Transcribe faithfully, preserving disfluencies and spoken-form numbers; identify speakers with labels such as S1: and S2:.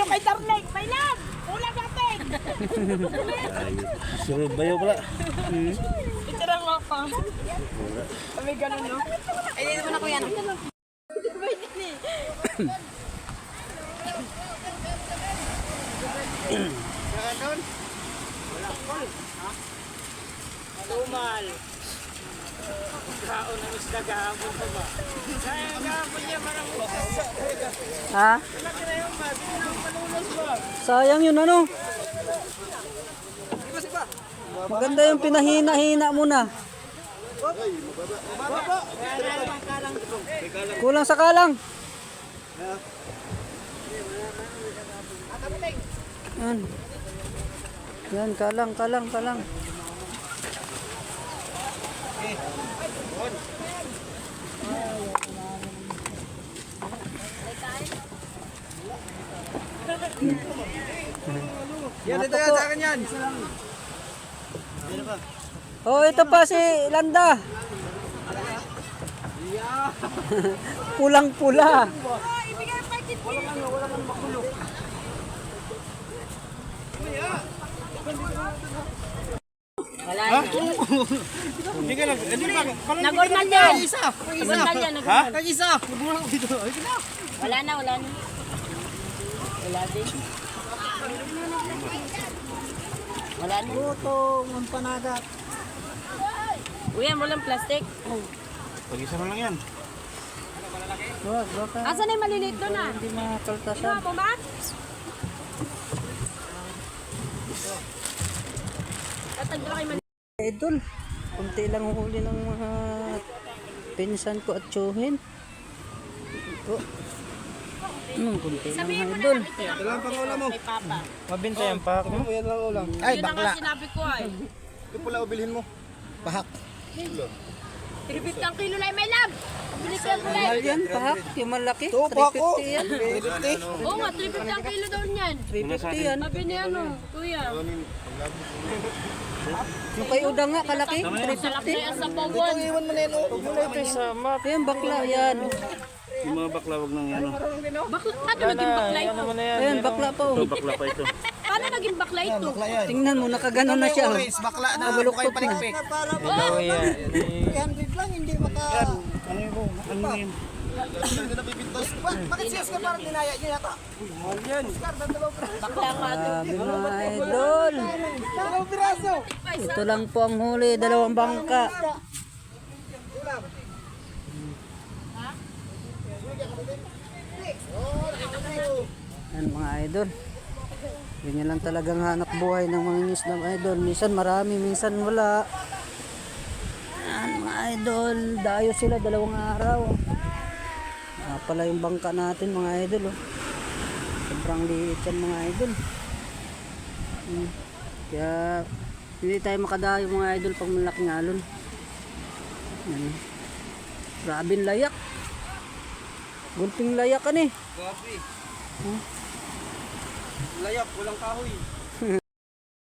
S1: kay Darling. May lang. Ulang natin.
S2: Sunod bayo pala.
S3: Hmm.
S1: Itirang mo pa. Kami ganun, no? Ay, hindi mo na ko yan.
S3: Ganon. Wala kol. Ha? Tumal. Kaon ng isda gahapon pa ba? Sayang gahapon niya marang
S4: Ha? Sayang yun ano? Maganda yung pinahina-hina mo na. Kulang sa kalang. Yan. Yan, kalang, kalang, kalang.
S3: Yan, ito yan sa akin yan.
S4: Oh, ito pa si Landa. Pulang-pula.
S1: Wala na.
S3: Hindi ka lang. Hindi ba?
S1: Nagormal yan.
S3: Isa.
S1: Nagormal yan.
S3: Ha? Nag-isa. Nagmula ko dito. Ay, na.
S1: Wala na, wala na. Wala din. Wala na.
S4: Lutong, ang panagat.
S1: Uy, mo lang plastic.
S2: Pag-isa na lang yan.
S4: Wag, baka
S1: Asan na yung maliliit doon ah?
S4: hindi makaltasan.
S1: Ano mo, Max? Tatagdo kayo man.
S4: Idol, kunti lang huli ng mga pinsan ko at tsuhin. Ito. Hmm, kunti lang mga idol.
S3: Dalang pang ulam mo.
S1: Kay Papa.
S2: Mabinta yan pa ako.
S3: Yan lang ulam. Ay,
S1: Yun ang
S3: bakla.
S1: sinabi ko ay.
S3: Ito pala ubilhin mo. Pahak.
S1: Tribute ang kilo lang may lab. Bili ko yung kulay.
S4: Mahal yan, pahak. Yung malaki.
S3: Ito,
S4: three
S3: pahak ko.
S4: fifty yan.
S1: Oo nga, tribute ang kilo daw niyan.
S4: three fifty yan.
S1: Sabi niya ano, kuya.
S4: Yung kay Udang nga, kalaki. three
S1: Salak
S4: fifty.
S1: na yan sa bawon.
S3: Iwan mo na yan. oh. Huwag mo na ito
S2: Sama.
S4: Yan, bakla yan.
S2: Yung mga bakla wag nang ano.
S1: Bakla, ano naging bakla ito?
S4: Ayan, bakla pa.
S2: Ito
S4: Oh.
S2: bakla pa ito.
S1: Paano naging bakla ito?
S3: Bakla yan.
S4: Tingnan mo, nakaganon na siya. Oh.
S3: Orange, bakla na.
S4: Nabuluktot
S3: Bukay palikpik.
S2: Hello yan.
S3: three hundred lang, hindi maka...
S2: Ano yung ano yun?
S3: Hindi na bibintos. Bakit siyas ka parang dinaya niya yata? Mahal yan.
S1: Bakla nga ito.
S4: Sabi mga idol.
S3: Dalawang piraso.
S4: Ito lang po ang huli, dalawang bangka. Yan mga idol. Ganyan lang talagang hanap buhay ng mga isda mga idol. Minsan marami, minsan wala. Yan mga idol. Dayo sila dalawang araw. Ah, pala yung bangka natin mga idol. Oh. Sobrang liit yan mga idol. Hmm. Kaya hindi tayo makadayo mga idol pag malaking alon. Yan. Grabing layak. Gunting layak kan eh.
S3: Gabi.
S4: Hmm?
S3: Layak, walang kahoy.